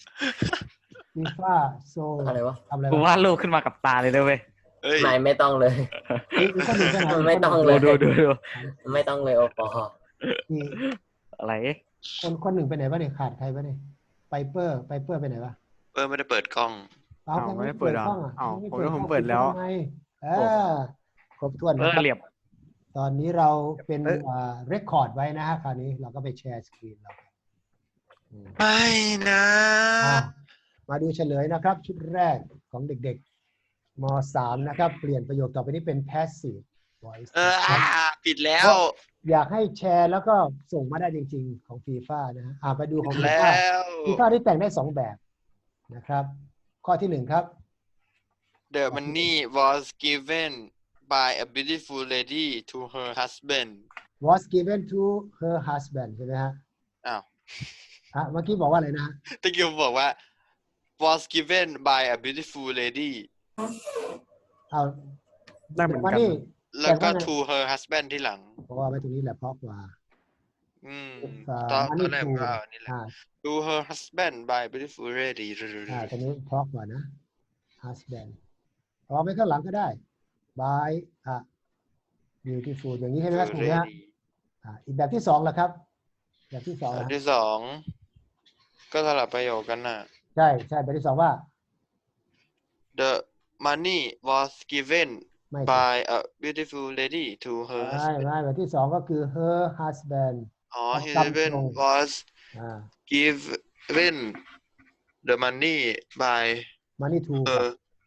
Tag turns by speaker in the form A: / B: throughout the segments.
A: ฟีฟ่าโซ
B: อะไรวะ
A: ทำอะไร
C: กู
A: วะ
C: วาดรูปขึ้นมากับตาเลยด้วยเว้ย
D: เอ้ย
B: ไม่ต้องเลย
A: อีกคนหนึ่งไปไหน
B: ไม่ต้องเล
C: ดู
B: ย
C: ดู
B: ไม่ต้องเลยโอปอ
A: นี่
C: อะไร
A: คนหนึ่งไปไหนวะเนี่ยขาดใครวะเนี่ยไปเปอร์ไปไหนวะ
D: ไม่ได้เปิดกล้อง
A: เอา
E: อ้าวไม่ได้เปิดเหรอ
A: กล้องอ่ะ
E: อ้าว
A: ไม่
E: ผมเปิดแล้ว
A: ทำไมครบถ้วนนะครับ
C: เหลี่ยม
A: ตอนนี้เราเป็น
E: เอ๊ะ
A: เรคคอร์ดไว้นะฮะคราวนี้เราก็ไปแชร์สกรีนเรา
D: ไม่นะ
A: อ่ะมาดูเฉลยนะครับ ชุดแรกของเด็กๆม .3 นะครับ เปลี่ยนประโยคต่อไปนี้เป็น passive voice
D: ปิดแล้ว
A: อยากให้แชร์แล้วก็ส่งมาได้จริงๆของฟีฟ่านะฮะไปดูของฟี
D: แล้
A: ฟ่าว ฟีฟ่าที่แต่งได้2แบบนะครับ ข้อที่1ครับ
D: The money was given by a beautiful lady to her husband
A: was given to her husband ใช่ไหมฮะ
D: อ้าว
A: เมื่อกี้บอกว่าอะไรนะฮะ
D: ตะกี้ผมบอกว่า was given by a beautiful lady
A: เอา
E: ได้เหมือน
A: ว่า
E: กัน
A: นี่
D: แล้วก็
A: แต่ว่าไง
D: to her husband ที่หลัง
A: เพราะว่าไว้ตรงนี้แหละเพราะกว่า
D: ตอน
A: money
D: แรก
A: to
D: ก็นี่แหละ
A: อ่า
D: to her husband by a beautiful lady
A: ตรงนี้เพราะกว่านะ husband พอไม่ข้างหลังก็ได้ by beautiful อย่างนี้ใช่ไหมครับถูกไหมฮะอีกแบบที่2ล่ะครับ แบบที่2
D: อัน
A: นะ
D: ที่สองก็สลับประโยคกันน่ะ
A: ใช่แบบที่2ว่า
D: The money was given
A: ไม่
D: by a beautiful lady to her
A: ไม่
D: husband
A: แบบที่2ก็คือ her husband
D: his
A: จำ
D: husband
A: ตรง
D: was
A: อ่า
D: given the money by
A: money to
D: her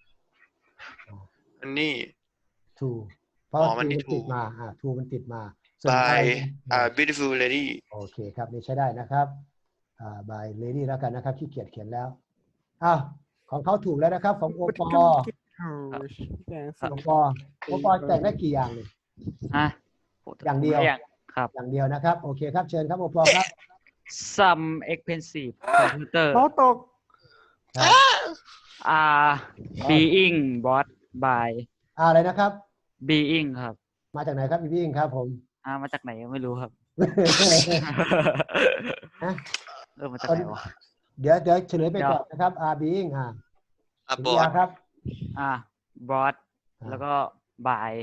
D: money
A: to เพราะว่า
D: money
A: to มันติด
D: to
A: มาto มันติดมาส่วน
D: by
A: by
D: a beautiful lady
A: โอเคครับนี่ใช้ได้นะครับby lady แล้วกันนะครับขี้เกียจเขียนแล้วอ้าวของเขาถูกแล้วนะครับ ของโอปอโอปอแต่งได้กี่อย่างเลย
C: ฮะ
A: อย่างเดียว
C: ครับ
A: อย่างเดียวนะครับ โอเคครับเชิญครับโอปอครับ
C: some expensive computer
E: เขาตก
C: being bought by
A: อะไรนะครับ
C: being ครับ
A: มาจากไหนครับพี่วิ่งครับผม
C: มาจากไหนไม่รู้ครับ
A: ฮะ
C: มาจากไหนวะ
A: เดี๋ยวเฉลยไปก่อนนะครับ being
D: บอ
A: ยา
D: ด
A: ครับ
C: bought แล้วก็ by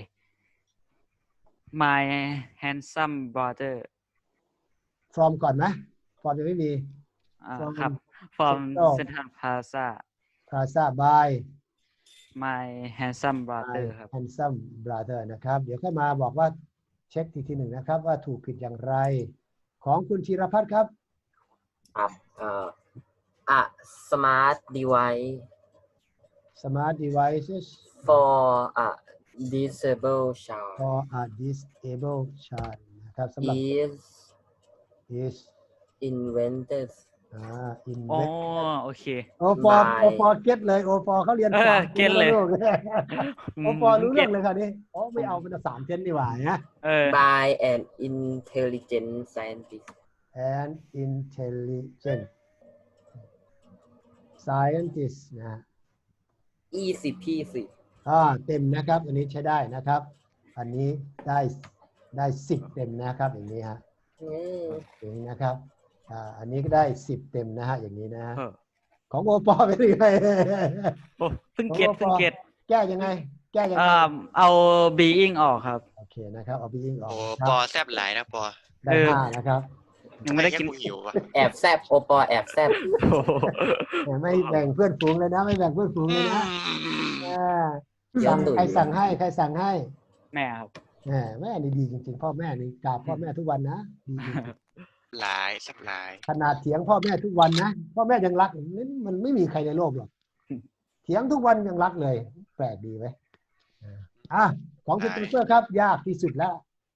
C: my handsome brother
A: from ก่อนไหม from ยังไม่มี
C: ครับ from
A: Central
C: Central Plaza
A: Plaza by
C: my handsome brother ครับ
A: handsome brother นะครับ เดี๋ยวค่อยมาบอกว่าเช็คทีหนึ่งนะครับ ว่าถูกผิดอย่างไร ของคุณธีรพัฒน์ครับ
B: ครับa smart device
A: smart devices
B: for a disabled child
A: for a disabled child นะครับสำหรับ is
B: invented
C: อ๋อ
A: invent
C: โอเค
A: โอปอเก็ตเลยโอปอเขาเรียนสาม
C: เก็ตเลย
A: โอปอรู้เรื่องเลยค่ะนี่ไม่เอาเป็น3เทนดีกว่านะ
B: by an intelligent scientist
A: and intelligent scientist นะ
B: easy peasy
A: เต็มนะครับอันนี้ใช้ได้นะครับ อันนี้ได้10เต็มนะครับอย่างนี้ฮะอย่างนี้นะครับอันนี้ก็ได้10เต็มนะฮะอย่างนี้นะของโอปอเป็นยังไง
C: โอ้เพิ่งเก็ต
A: แก้ยังไง
C: เอา being ออกครับ
A: โอเคนะครับเอา being ออก
D: โอ้
A: ครับ
D: ปอแซบหลายนะปอ
A: ได้5นะครับ
C: ยังไม่ได้กิน
D: แค่หิวว่ะ
B: แอบแซบโอปอแอบแซบ
C: โอ้โห
A: ไม่แบ่งเพื่อนฝูงเลยนะไม่แบ่งเพื่อนฝูงเลยนะใครสั่งให้
C: แม่ครับ
A: แม่นี่ดีจริงๆพ่อแม่นี่กราบพ่อแม่ทุกวันนะดีจริง
D: หลายแซบหลาย
A: ขนาดเถียงพ่อแม่ทุกวันนะพ่อแม่ยังรักมันไม่มีใครในโลกหรอกเถียงทุกวันยังรักเลยแปลกดีไหมของคุณตุ๊กเกอร์ครับยากที่สุดแล้ว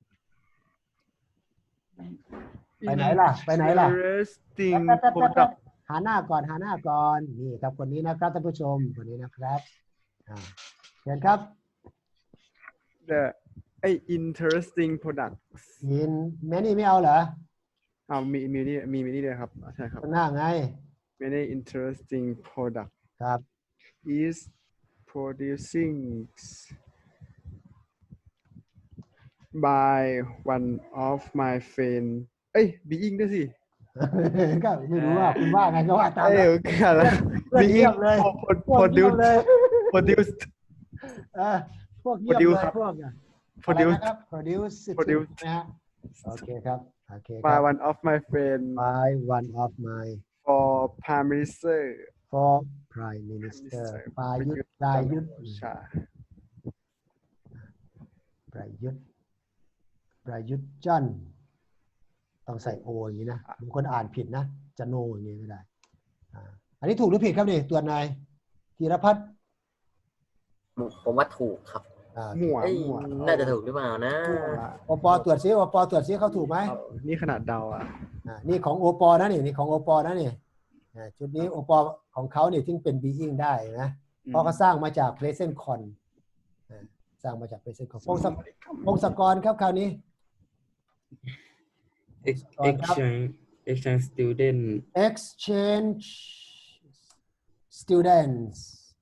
A: ไปไหนล่ะ
E: interesting
A: แป๊บ
E: product
A: หาหน้าก่อนนี่ครับคนนี้นะครับท่านผู้ชมคนนี้นะครับเชิญครับ
E: the interesting product
A: ยินแม่นี่ไม่เอาเหรอ
E: มีนี่ด้วยครับใช่ครับ
A: ข้างหน้าไง
E: many interesting product
A: ครับ
E: is producing by one of my friend being ด้วยสิ
A: ก็ไม่รู้ว่าคุณว่าไงก็ว่าตาม
E: เอ้
A: นั้น
E: ยกันละ
A: เพื่อนเงียบเลย พวกเงียบเลย
E: produced
A: พวกเงียบเลย
E: Produce ครับ
A: พวกอะไร
E: produced
A: นะครับ produce
E: Produce
A: นะฮะโอเคครับโอเคค
E: by
A: รับ
E: one of my friend
A: by one of my
E: for prime minister
A: for prime minister ประยุทธ์ประยุทธ์
E: ชา
A: ประยุทธ์ประยุทธ์จันทร์ต้องใส่โออย่างนี้นะบางคนอ่านผิดนะจะโนอย่างนี้ไม่ได้อันนี้ถูกหรือผิดครับนี่ตัวนายธีรพัฒน์
B: ผมว่าถูกครับ
E: มั่ว
B: เอ้ย
E: มั่ว
B: น่าจะถูกหรือเปล่านะ
A: โอปอตรวจซิโอปอตรวจซิเขาถูกไหม
E: นี่ขนาดเดาอ่ะ
A: นี่ของโอปอนะนี่ของโอปอนะนี่ชุดนี้โอปอของเขาเนี่ยถึงเป็น being ได้นะเพราะเขาสร้างมาจาก present con สร้างมาจาก present con พงศกรครับคราวนี้
F: exchange student
A: exchange students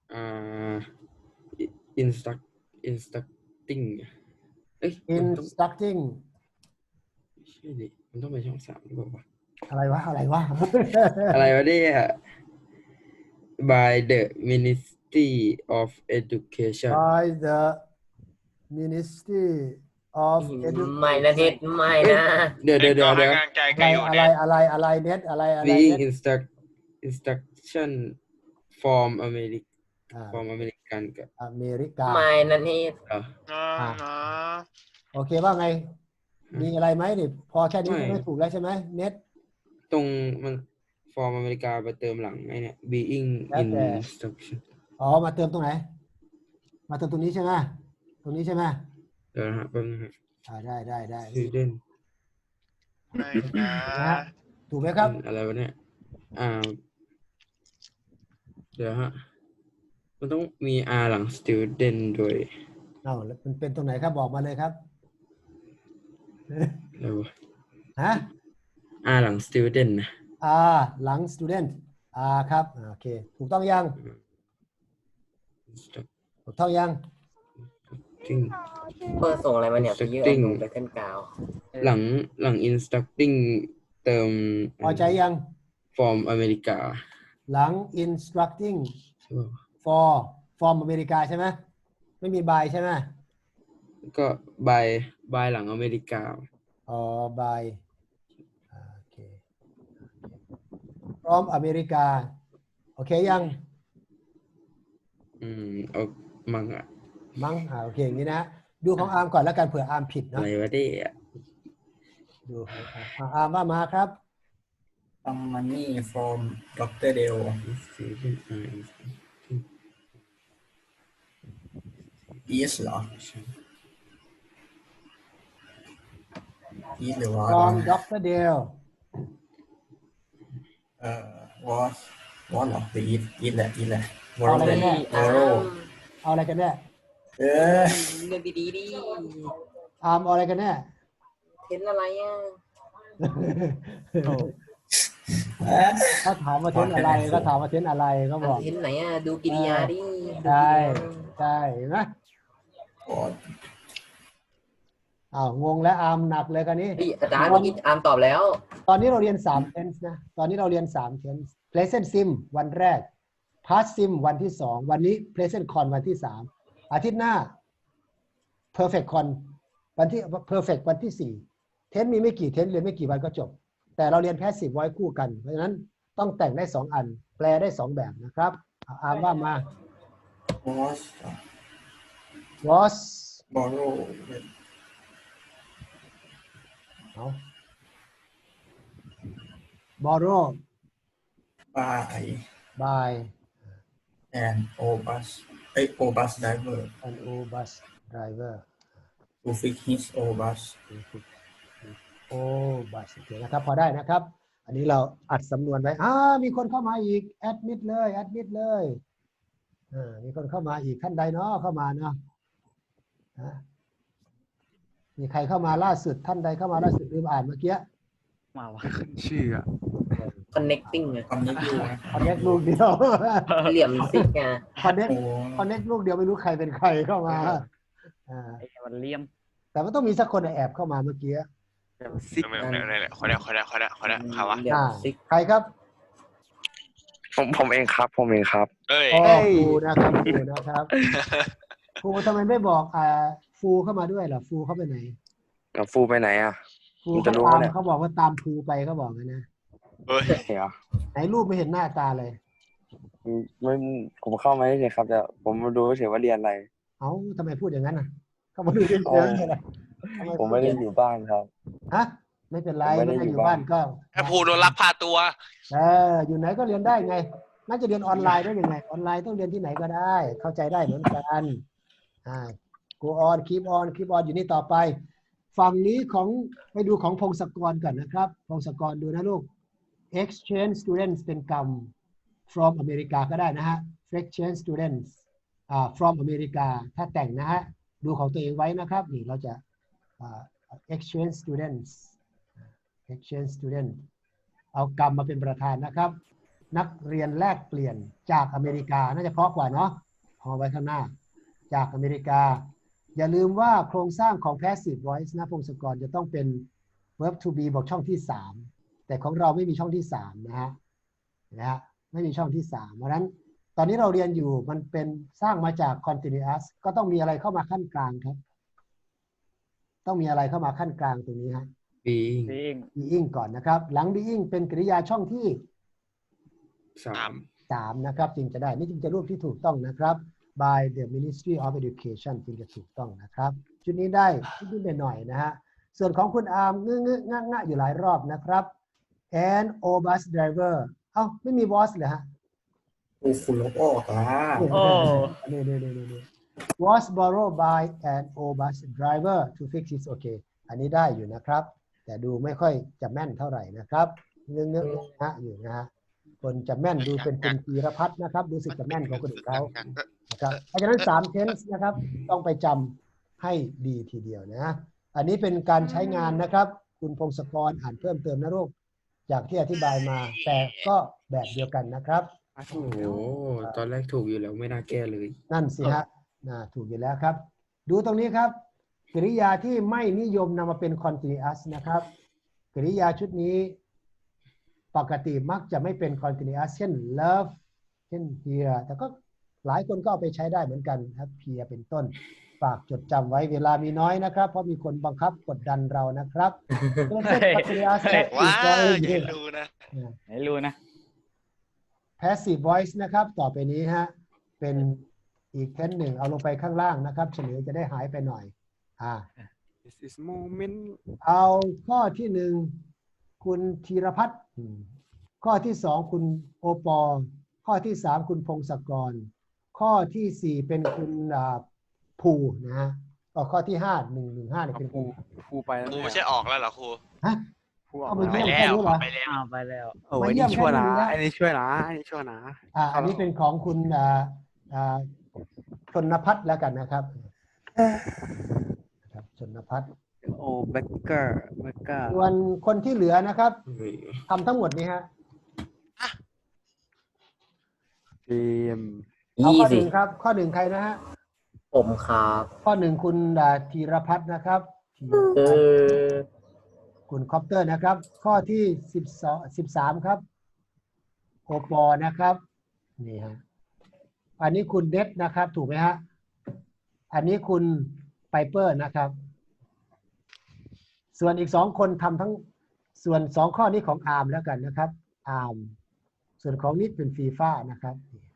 F: instructing เอ้ยมันต้อง
A: instructing
F: ใช่ดิมันต้องไปช่อง3หรือเปล่าวะ
A: อะไรวะ
F: อะไรวะเนี่ย by the Ministry of Education
A: by the Ministry of
B: ไม่นะเน็ตไม่นะ
F: เดี๋ยว
D: ให้กำลังใจกันอยู่เนี่ย
A: อะไรเน็ตอะไร
F: being
A: เน็ต
F: instruction from American กับ
A: อเมริกา
B: ไม่นะเน็ต
A: โอเคว่าไง มีอะไรไหมนี่พอแค่นี้ไม่ถูกแล้วใช่ไหมเน็ต
F: ตรงมัน from อเมริกาไปเติมหลังไอ้เนี่ย being
A: แล้วแต่
F: instruction
A: มาเติมตรงไหน มาเติมตรงนี้ใช่ไหมตรงนี้ใช่ไหม
F: เดี๋ยวนะฮะแป๊บนึงฮะ
A: ได้
F: student
D: ไม่นะ
A: นะฮะถูกไหมครับ
F: อะไรวะเนี่ยเดี๋ยวฮะมันต้องมี R หลัง student ด้วย
A: แล้วมันเป็นตรงไหนครับบอกมาเลยครับ
F: อะไรวะ
A: ฮะ
F: R หลัง student นะ
A: หลัง student ครับโอเคถูกต้องยัง ถูกต้องยัง
F: instructing
B: เปิดส่งอะไรมาเนี่ยไปเยอะ
F: Instructing
B: ลงไปขึ้นกาว
F: หลัง instructing เติม
A: พอใจยัง
F: from อเมริกา
A: หลัง instructing
F: ใช่ป่ะ
A: from อเมริกาใช่ไหมไม่มี by ใช่ไหม
F: ก็ by หลังอเมริกา
A: by โอเค from อเมริกาโอเคยัง
F: เอามั่งอะ
A: มั้งโอเคอย่างนี้นะดูของอาร์มก่อนแล้วกันเผื่ออาร์มผิด
F: อะ
A: เนาะ
F: ไรวะเนี่ย
A: ดูอาร์มว่ามาครับ
G: Some money from Dr. Dale.
F: student
G: Is เหรอ Is หรือว่า
A: from Dr. Dale
G: was เหรอหรือ is แหละ is แหละ
A: เอาอะไรกันแน่
G: borrow
A: เอาอะไรกันแน่
G: เออ
B: เรื่องดีๆดิ
A: อาร์มเอาอะไรกันแน่
B: เห็นอะไรอ่ะ
A: เขาถามว่าเทนอะไรก็ถามว่าเทนอะไรก็บอก
B: เห็นไหนอ่ะดูกิริยาดิดูกิริ
A: ใช่
B: ยา
A: ใช่เห็นไหม
G: was
A: งงแล้วอาร์มหนักเลยกันนี้
B: เฮ้ยอาจารย์เมื่อกี้อาร์มตอบแล้ว
A: ตอนนี้เราเรียน3 tense นะตอนนี้เราเรียน3 tense present sim วันแรก past sim วันที่2วันนี้ present con วันที่3อาทิตย์หน้า perfect con วันที่ perfect วันที่4 tense มีไม่กี่ tense เรียนไม่กี่วันก็จบแต่เราเรียน passive voice คู่กันเพราะฉะนั้นต้องแต่งได้2อันแปลได้2แบบนะครับอาร์มว่ามา was
G: borrow
A: borrow
G: by
A: by
G: an obus driver
A: an bus driver
G: to fix his obus
A: บัสโอเคนะครับพอได้นะครับ อันนี้เราอัดสำนวนไว้มีคนเข้ามาอีกแอดมิดเลยมีคนเข้ามาอีกท่านใดเนาะเข้ามาเนาะมีใครเข้ามาล่าสุดท่านใดเข้ามาล่าสุดลืมอ่านเมื่อกี้
C: มาวะ
E: ชื่ออะ
B: connecting ไง
G: คำนี้อยู่
A: คอนเน็กลูกเดียว
B: เหลี่ยมซิกไง
A: คอนเน็ก
G: โอ้
A: ลูกเดียวไม่รู้ใครเป็นใครเข้ามา
C: ไอ้มันเลี่ยม
A: แต่ว่าต้องมีสักคนแอบเข้ามาเมื่อกี้
E: ซิก
D: ไม่คนเนี้ยใครวะ
B: เหลี่ยมซิก
A: ใครครับ
H: ผมเองครับ
D: เอ้ย
A: อ๋อครูนะครับครูนะครับครูทำไมไม่บอกฟูเข้ามาด้วยล่ะฟูเข้าไปไหน
H: กับฟูไปไหนอ่ะ
A: ฟู
H: ผม
A: เขา
H: จะรู้
A: ตาม
H: เนี่ย
A: เขาบอกว่าตามฟูไปเขาบอกนะ
D: เฮ้ย
H: เดี๋ยว
A: ไหนรูปไม่เห็นหน้าตาเลย
H: ไม่ผมเข้ามาเฉยๆครับแต่ผมมาดูเฉยๆว่าเรียนอะไร
A: เอ้าทำไมพูดอย่างนั้นน่ะเขามาดูเรื่องเยอะเลยทำ
H: ผมไม่ได้อยู่บ้านครับ
A: ฮะไม่เป็นไร
H: ผมไม่
A: ไม่
H: ได้
A: ได้
H: อ
A: อยู่ ยู่บ้าน
H: บ้าน
A: ก็
D: ไอ้ภูโดนลักพาตัว
A: อยู่ไหนก็เรียนได้ไงน่าจะเรียนออนไลน์ได้ยังไงออนไลน์ต้องเรียนที่ไหนก็ได้ เข้าใจได้เหมือนกันgo on keep on keep on อยู่นี่ต่อไป ฝั่งนี้ของไปดูของพงศกรก่อนนะครับพงศกรดูนะลูก exchange students เป็นกรรม from อเมริกาก็ได้นะฮะ exchange students from อเมริกาถ้าแต่งนะฮะดูของตัวเองไว้นะครับนี่เราจะexchange students exchange student เอากรรมมาเป็นประธานนะครับ นักเรียนแลกเปลี่ยนจากอเมริกาน่าจะเพราะกว่าเนาะเอาไว้ข้างหน้าจากอเมริกา อย่าลืมว่าโครงสร้างของ passive voice นะพงศกรจะต้องเป็น verb to be บอกช่องที่ 3 แต่ของเราไม่มีช่องที่ 3 นะฮะไม่มีช่องที่ 3 เพราะฉะนั้นตอนนี้เราเรียนอยู่มันเป็นสร้างมาจาก continuous ก็ต้องมีอะไรเข้ามาขั้นกลางครับต้องมีอะไรเข้ามาขั้นกลางตรงนี้ฮะ
F: being
A: being ก่อนนะครับ หลัง being เป็นกริยาช่องที่
F: 3
A: 3 นะครับจึงจะได้นี่จึงจะรูปที่ถูกต้องนะครับ by the Ministry of Education จึงจะถูกต้องนะครับชุดนี้ได้นิดๆหน่อยๆนะฮะส่วนของคุณอาร์มงะอยู่หลายรอบนะครับ and o bus driver เอ้าไม่มี was เหรอฮะ
G: คุณลบออกอ่ะ
C: โอ้
A: นี่ was borrowed by an o bus driver to fix it โอเคอันนี้ได้อยู่นะครับแต่ดูไม่ค่อยจะแม่นเท่าไหร่นะครับเงื้อๆนะอยู่นะฮะคนจะแม่นดูเป็นคุณธีรพัฒน์นะครับดูสึกจะแม่นของคนอื่นเขานะครับเพราะฉะนั้น3 tense นะครับต้องไปจำให้ดีทีเดียวนะอันนี้เป็นการใช้งานนะครับคุณพงศกรอ่านเพิ่มเติมนะลูกจากที่อธิบายมาแต่ก็แบบเดียวกันนะครับ
F: โอ้โหตอนแรกถูกอยู่แล้วไม่น่าแก้เลย
A: นั่นสิฮะถูกอยู่แล้วครับดูตรงนี้ครับกริยาที่ไม่นิยมนำมาเป็น continuous นะครับกริยาชุดนี้ปกติมักจะไม่เป็น continuous เช่น love เช่น here แต่ก็หลายคนก็เอาไปใช้ได้เหมือนกันครับ here เป็นต้นฝากจดจำไว้เวลามีน้อยนะครับเพราะมีคนบังคับกดดันเรานะครับเช่น continuous
D: ว้า
A: is
D: อย่า
A: going
D: ดูนะ
C: ไหนรู้นะ
A: passive voice นะครับต่อไปนี้ฮะเป็นอีกเทนหนึ่งเอาลงไปข้างล่างนะครับเฉลยจะได้หายไปหน่อย
E: this is moment
A: เอาข้อที่ 1คุณธีรพัฒน์ข้อที่ 2คุณโอปอข้อที่ 3คุณพงศกรข้อที่ 4เป็นคุณภูนะฮะข้อที่ 5 115เนี่ยเป็นคุณ
E: ครูไปแล้ว
D: ครู
E: เนี่ย
D: ไม่ใช่ออกแล้วเหรอครู
A: ฮะ
E: ครูออก
A: เอาไป
E: มา
A: เยี่ยม
D: ไป
A: แค่
D: แล้ว
A: นี้เหรอ
D: ไปแล้ว
C: อ้าวไปแล้ว
E: โอ้ยอันนี้ช่วยนะอันนี้ช่วยนะอันนี้ช่วยนะ
A: อันนี้เป็นของคุณชนพัฒน์แล้วกันนะครับชนพัฒน์
E: โอ้เบเกอร์
A: ส่วนคนที่เหลือนะครับ
F: เฮ้ย
A: ทำทั้งหมดนี้ฮะ
E: ทีม
A: เอาข้อ
B: easy
A: 1ครับข้อ 1ใครนะฮะ
B: ผมครับ
A: ข้อ 1คุณธีรพัฒน์นะครับคุณคอปเตอร์นะครับ ข้อที่13ครับโอปอนะครับนี่ฮะอันนี้คุณเดชนะครับถูกไหมฮะอันนี้คุณไพเปอร์นะครับส่วนอีก2คนทำทั้งส่วน2ข้อนี้ของอาร์มแล้วกันนะครับอาร์มส่วนของนิดเป็นฟีฟ่านะครับ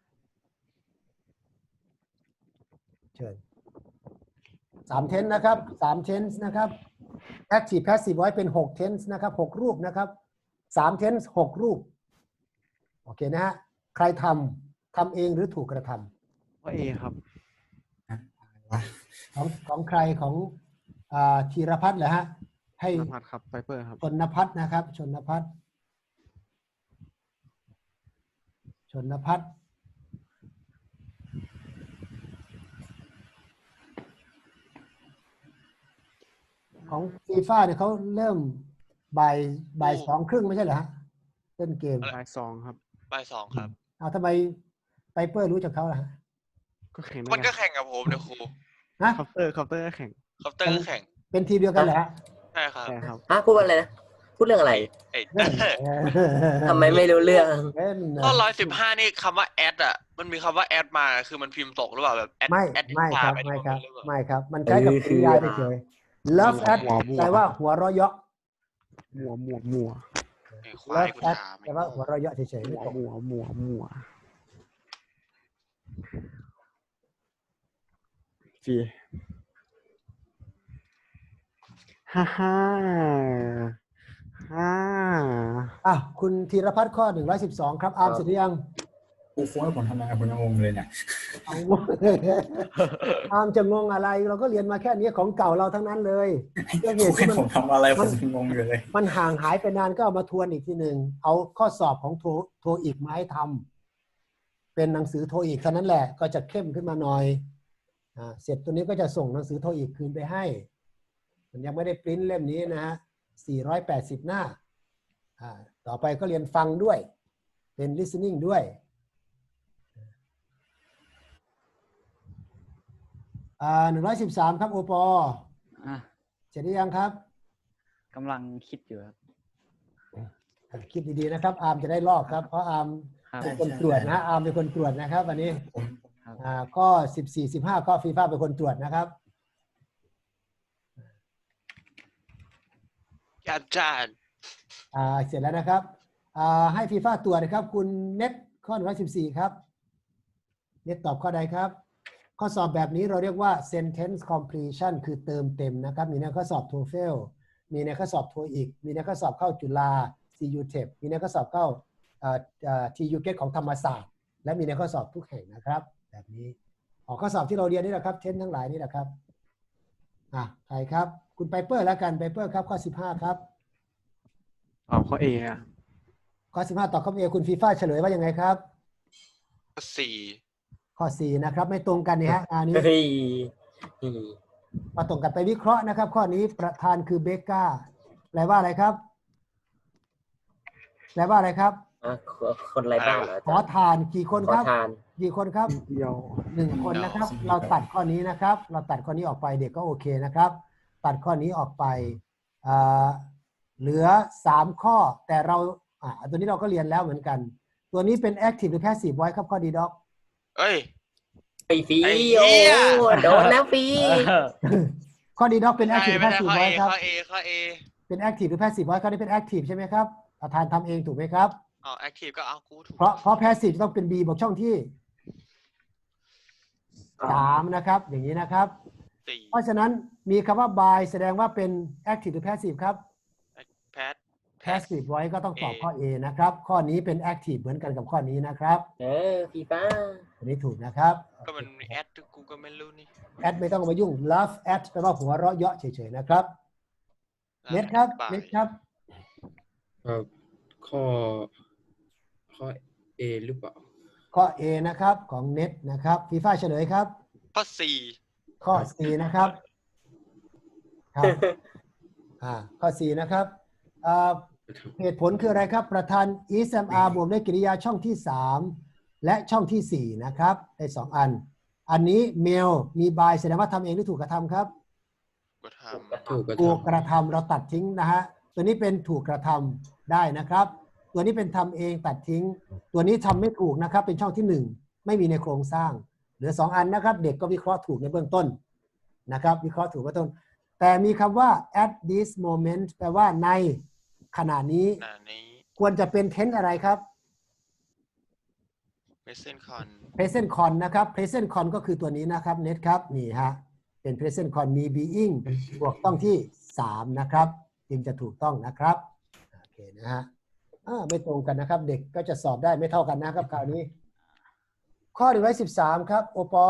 A: เชิญ3 tense นะครับ3 tense นะครับ active passive voice เป็น6 tense นะครับ6รูปนะครับ3 tense 6รูปโอเคนะฮะใครทำเองหรือถูกกระทำ
E: ข้อเอครับ
A: ของใครของธีรพัฒน์เหรอฮะให้
E: นภัสครับไฟเปอร์ครับ
A: ชนพัฒน์นะครับชนพัฒน์ของฟีฟ่าเนี่ยเขาเริ่มบ่าย2:30ไม่ใช่เหรอฮะเล่นเกม
E: บ่าย 2ครับ
D: บ่าย2ครับ
A: เอาทำไมไพเปอร์รู้จักเขาล่ะฮะ
E: ก็แข่ง
D: มันก็แข่งกับผมเนี่ยครู
A: ฮะ
E: คอปเตอร์ก็แข่ง
D: คอปเตอร์ก็แข่ง
A: เป็นทีมเดียวกันเหรอฮะ
D: ใช่ครับ
E: ใช่ครับ
B: พูดว่าอะไรนะ พูดเรื่องอะไร
D: ไอ้
B: ทำไมไม่รู้เรื่อง
A: เล่นนะ
D: ข้อ115นี่คำว่าแอดอ่ะมันมีคำว่าแอดมาคือมันพิมพ์ตกหรือเปล่าแบบแอด
A: ไม่
D: แอด
A: ไม่ครับ
D: ไป
A: ไม่
D: ที่
A: ครับ
D: หรือเปล่า
A: ไม่ครับ มันใช้กับกริยาเฉยๆ love at แปลว่าหัวเราะเยาะ
E: มัว
D: ไอ้ควาย
A: love
D: กู
A: at
D: ถาม
A: แปลว่าหัวเราะเยาะเฉยๆไม่ตก
E: มัวฟีฮ่า
A: คุณธีรพัฒน์ข้อ112ครับอาร์มเสร็จหรือยัง
G: กูโค้ดผมทำไมผมยังงงเลยเนี่ย
A: อาร์มจะงงอะไรเราก็เรียนมาแค่นี้ของเก่าเราทั้งนั้นเลยก็เห
G: กู
A: ตุที่
G: ให้ผมทำอะไรผมยังงงอยู่เลย
A: มันห่างหายไปนานก็เอามาทวนอีกทีหนึ่งเอาข้อสอบของโทอีกมาให้ทำเป็นหนังสือโทอีกเท่านั้นแหละก็จะเข้มขึ้นมาหน่อยเสร็จตัวนี้ก็จะส่งหนังสือโทอีกคืนไปให้มันยังไม่ได้ปริ้นเล่มนี้นะฮะ480 หน้าต่อไปก็เรียนฟังด้วยเป็น listening ด้วย113ครับโอปอ
C: อ่ะ
A: เสร็จหรือยังครับ
C: กำลังคิดอยู่ครับ
A: คิดดีๆนะครับอาร์มจะได้ลอกครับเพราะอาร์ม
C: ครับ
A: เป็นคนตรวจนะอาร์มเป็นคนตรวจนะครับวันนี้
C: ครับ
A: ก็14-15ก็ฟีฟ่าเป็นคนตรวจนะครับ
D: อาจารย์
A: เสร็จแล้วนะครับให้ฟีฟ่าตรวจนะครับคุณเน็ตข้อ114ครับเน็ตตอบข้อใดครับข้อสอบแบบนี้เราเรียกว่า sentence completion คือเติมเต็มนะครับมีในข้อสอบ TOEFL มีในข้อสอบ TOEIC มีในข้อสอบเข้าจุฬา CUTEP มีในข้อสอบเข้าTUGET ของธรรมศาสตร์และมีในข้อสอบทุกแห่งนะครับแบบนี้ข้อสอบที่เราเรียนนี่แหละครับเทนทั้งหลายนี่แหละครับใครครับคุณไพเปอร์แล้วกันไพเปอร์ครับข้อ15ครับ
E: เอาข้อ A อ่ะ
A: ข้อ15ตอบข้อ A คุณฟีฟ่าเฉลยว่ายังไงครับ
D: 4
A: ข้อ4นะครับไม่ตรงกันนี่ฮะอันนี้
B: เฮ้ย
A: มาตรงกันไปวิเคราะห์นะครับข้อนี้ประธานคือเบกก้าแปลว่าอะไรครับแปลว่าอะไรครับ
B: คนไรบ้านเหรอ
A: ขอทานกี่คน
B: ขอ
A: ครับ
B: ทาน
A: กี่คนครับ
E: เดียว
A: 1 คนนะครับเราตัดข้อนี้นะครับเราตัดข้อนี้ออกไปเด็กก็โอเคนะครับตัดข้อนี้ออกไปเหลือ3ข้อแต่เราตัวนี้เราก็เรียนแล้วเหมือนกันตัวนี้เป็น active หรือ passive voice ครับข้อดีด็อก
D: เอ้ย
B: ไอ้ฟี
D: ไอ้เหี้
B: โอ้
D: ย
B: โดนแล้วฟี
A: ข้อดีด็อกเป็น
D: ใช่
A: active หรือ
D: ไม่ใช่
A: passive
D: ข้อ A
A: voice ครับ
D: ข้อ A ข้อ A
A: เป็น active หรือ passive voice ข้อนี้เป็น active ใช่ไหมครับประธานทำเองถูกไหมครับ
D: active ก็เอากูถูก
A: เพราะ passive ต้องเป็น B บวกช่องที่3นะครับอย่างนี้นะครับ
D: 4
A: เพราะฉะนั้นมีคำว่า by แสดงว่าเป็น active หรือ passive ครับ passive voice ก็ต้องตอบข้อ A นะครับข้อนี้เป็น active เหมือนกันกับข้อนี้นะครับ
B: ฟีฟ้า
A: อันนี้ถูกนะครับ
D: ก็มันมีแอดกูก็ไม่รู้นี่
A: at ไม่ต้องมายุ่ง love at แปลว่าหัวเราะเยาะเฉยๆนะครับเน็ตครับเน็ตครับ
F: ข้อ A หรือเปล่า
A: ข้อ A นะครับของเน็ตนะครับฟีฟ่าเฉลยครับ
D: ข้อ
A: ข้อ C นะครับครับข้อ C นะครับเหตุผลคืออะไรครับประธาน ismr บวกด้วยกริยาช่องที่3และช่องที่4นะครับได้2อันอันนี้ mail มี by แสดงว่าทำเองหรือถูกกระทำครับ
D: 4 ก็ท
A: ถูกกระทำเราตัดทิ้งนะฮะตัวนี้เป็นถูกกระทำได้นะครับตัวนี้เป็นทำเองตัดทิ้งตัวนี้ทำไม่ถูกนะครับเป็นช่องที่1ไม่มีในโครงสร้างเหลือ2อันนะครับเด็กก็วิเคราะห์ถูกในเบื้องต้นนะครับวิเคราะห์ถูกเบื้องต้นแต่มีคำว่า at this moment แปลว่าในขณะนี้
D: ำอันนี้
A: ควรจะเป็น tense อะไรครับ
D: present con
A: present con นะครับ present con ก็คือตัวนี้นะครับเน็ตครับนี่ฮะเป็น present con มี being บวกต้องที่3นะครับจึงจะถูกต้องนะครับโอเคนะฮะไม่ตรงกันนะครับเด็กก็จะสอบได้ไม่เท่ากันนะครับคราวนี้ข้อ113ครับโอปอ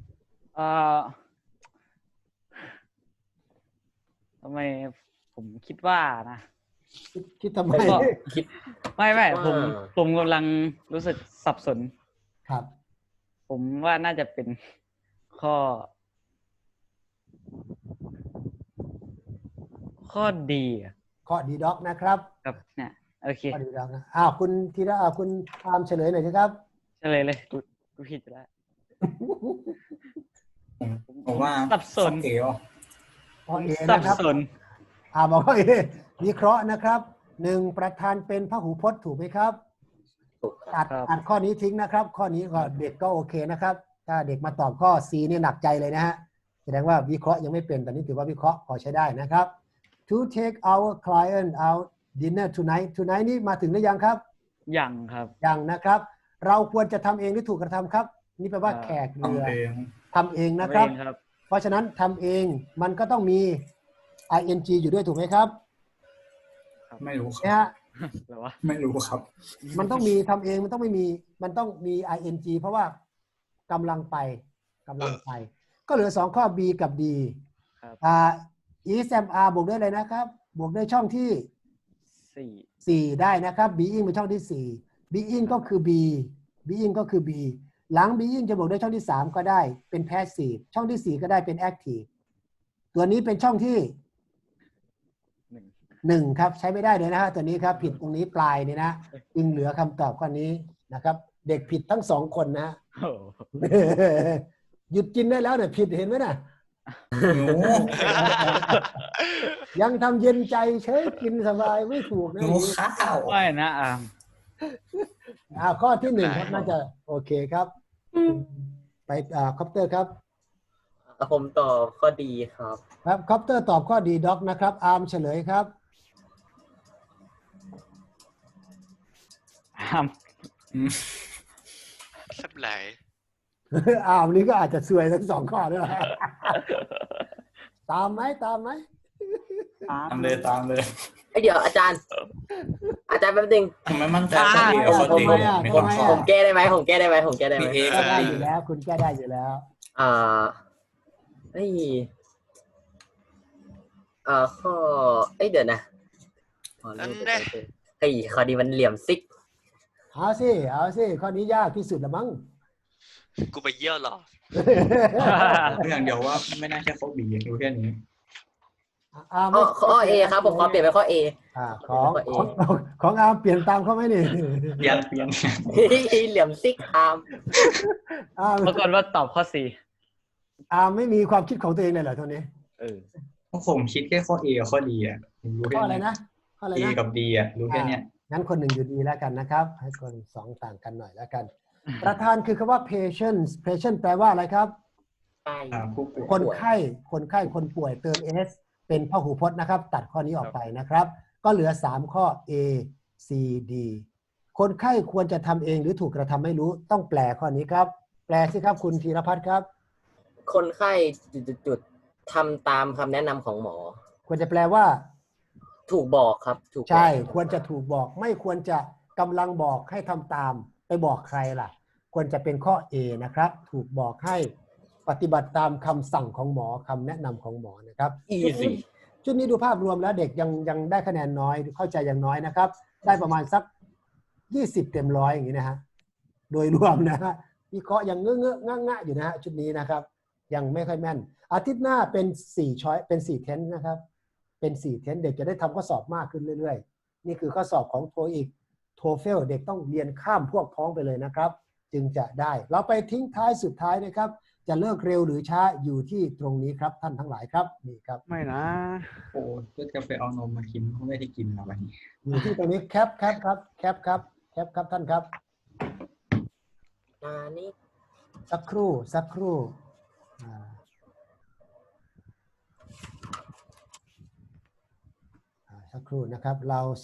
C: ทำไมผมคิดว่านะ
A: คิดทำไม
C: ก็คิดไม่ผมกำลังรู้สึกสับสน
A: ครับ
C: ผมว่าน่าจะเป็นข้อดีอะ
A: ข้อดีด็อกนะครับ
C: ครับเนี่ยโอเค
A: ข้อดีด็อกนะคุณธีระคุณตามเฉลยหน่อยสิครับ
C: เฉลยเลยกูผิดแล้ว
G: ผมว่า
C: สับสน
G: ข้อ A ว่ะ
A: ข้อ A
C: สับ
A: นะครับ
C: สน
A: บอกว่า วิเคราะห์นะครับหนึ่งประธานเป็นพหูพจน์ถูกไหมครับ
B: ถูกครับ
A: ตัดข้อนี้ทิ้งนะครับ ข้อนี้ก็เด็กก็โอเคนะครับ ถ้าเด็กมาตอบข้อ C เนี่ยหนักใจเลยนะฮะแสดงว่าวิเคราะห์ยังไม่เป็นแต่นี้ถือว่าวิเคราะห์พอใช้ได้นะครับ to take our client out dinner tonight นี่มาถึงหรือยังครับ
C: ยังครับ
A: ยังนะครับ เราควรจะทำเองหรือถูกกระทำครับ นี่แปลว่าแขกเรือ
G: ทำเอง
A: ทำเองนะครับ
C: ทำเองครับ
A: เพราะฉะนั้นทำเองมันก็ต้องมี ing อยู่ด้วยถูกไหมครับ
G: ไม่รู้ค
A: นะ
G: รับ
A: ฮะ
C: หรือว่า
G: ไม่รู้ครับ
A: มันต้องมีทำเองมันต้องไม่มีมันต้องมี ing เพราะว่ากำลังไปก็เหลือ2ข้อ B กับ D
C: ครับ
A: is am are บวกด้วยอะไรนะครับ บวกด้วยช่องที่
C: 4
A: 4 ได้นะครับ being เป็นช่องที่ 4 being ก็คือ being ก็คือ B หลัง being จะบวกด้วยช่องที่ 3 ก็ได้เป็น passive ช่องที่ 4 ก็ได้เป็น active ตัวนี้เป็นช่องที่ 1 ครับใช้ไม่ได้เลยนะฮะตัวนี้ครับผิดตรงนี้ปลายนี่นะจึงเหลือคำตอบข้อนี้นะครับ เด็กผิดทั้ง2 คนนะ
C: โอ้
A: หยุดกินได้แล้วเนี่ยผิดเห็นไหมน่ะ
G: หนู
A: ยังทำเย็นใจเฉยกินสบายไม่ถูกนะ
G: หนูข้าว
C: ไม่นะอาม
A: ข้อที่ 1 ครับน่าจะโอเคครับ ไปคอปเตอร์ครับ
B: ผมตอบข้อดีครับ
A: ครับคอปเตอร์ตอบข้อดีด็อกนะครับ อาร์มเฉลยครับ
C: อาม
D: สับไหล
A: อาร์มนี้ก็อาจจะซวยทั้ง2 ข้อด้วย ตามไหม
G: ตามเลย
B: เดี๋ยวอาจารย์แป๊บนึง
G: ผมไม่มั่นใจข้อดีกับข้อดีมีคนข้อ
B: ผมแก้ได้ไหมผมแก้ได้ไหม
G: มีเอ
A: แก้
G: กับ
A: ได้
G: ดี
A: อยู่แล้ว คุณแก้ได้อยู่แล้ว
B: เฮ้ยข้อเดี๋ยวนะเฮ้ยข้อดีมันเหลี่ยมซิก
A: เอาสิข้อนี้ยากที่สุดละมั้ง
D: กูไปเยี่ยวเหรอ
G: อย่างเดียวว่าไม่น่าใช่ข้อบีรู้แค่นี้
B: ข้อ A ครับผมขอเปลี่ยนเป็นข้อ A
A: ของอาร์มเปลี่ยนตามเขาไหมนี่
G: เปลี่ยน
B: เหลี่ยมซิกอาร์ม
C: ปรากฏว่าตอบข้อ
A: อาร์มไม่มีความคิดของตัวเองเลยเหรอเท่านี้
C: 4
G: ผมคิดแค่ข้อ A กับข้อ D อ่ะรู้
A: ข้
G: แค่
A: ออะไร
G: นี้
A: นะข้ออะไร
G: A
A: นะ
G: กับ D อ่ะรู้แค่เนี้ย
A: งั้นคน 1อยู่ดีแล้วกันนะครับ ให้คน 2 ต่างกันหน่อยแล้วกัน ประธานคือคำว่า patience แปลว่าอะไรครับ
G: ผู้ป่วย
A: คนไข้คนป่วยเติม s เป็นพหูพจน์นะครับ ตัดข้อนี้ออกไปนะครับ ก็เหลือ3ข้อ A C D คนไข้ควรจะทำเองหรือถูกกระทำไม่รู้ต้องแปลข้อนี้ครับ แปลสิครับคุณธีรพัฒน์ครับ
B: คนไข้จุดทำตามคำแนะนำของหมอ
A: ควรจะแปลว่า
B: ถูกบอกครับถูกบอก
A: ใช่ควรจะถูกบอกไม่ควรจะกำลังบอกให้ทำตามไปบอกใครล่ะ ควรจะเป็นข้อ A นะครับ ถูกบอกให้ปฏิบัติตามคำสั่งของหมอคำแนะนำของหมอนะครับ
B: easy
A: ชุดนี้ดูภาพรวมแล้วเด็กยังได้คะแนนน้อยเข้าใจอย่างน้อยนะครับ ได้ประมาณสัก20 เต็ม100อย่างนี้นะฮะโดยรวมนะฮะวิเคราะห์ยังงะอยู่นะฮะชุดนี้นะครับ ยังไม่ค่อยแม่น อาทิตย์หน้าเป็น4ช้อยเป็น4เทนนะครับเป็น4เทนเด็กจะได้ทำข้อสอบมากขึ้นเรื่อยๆนี่คือข้อสอบของ TOEIC TOEFL เด็กต้องเรียนข้ามพวกพ้องไปเลยนะครับ จึงจะได้เราไปทิ้งท้ายสุดท้ายนะครับ จะเลิกเร็วหรือช้าอยู่ที่ตรงนี้ครับท่านทั้งหลายครับนี่ครับ
E: ไม่นะ
G: โอ้ก็จะไปเอานมมากินเขาไม่ได้กินแล้ววันนี้
A: อยู่ที่ตรงนี้แคปครับท่านครับ
B: นี่
A: สักครู่สักครู่นะครับเรา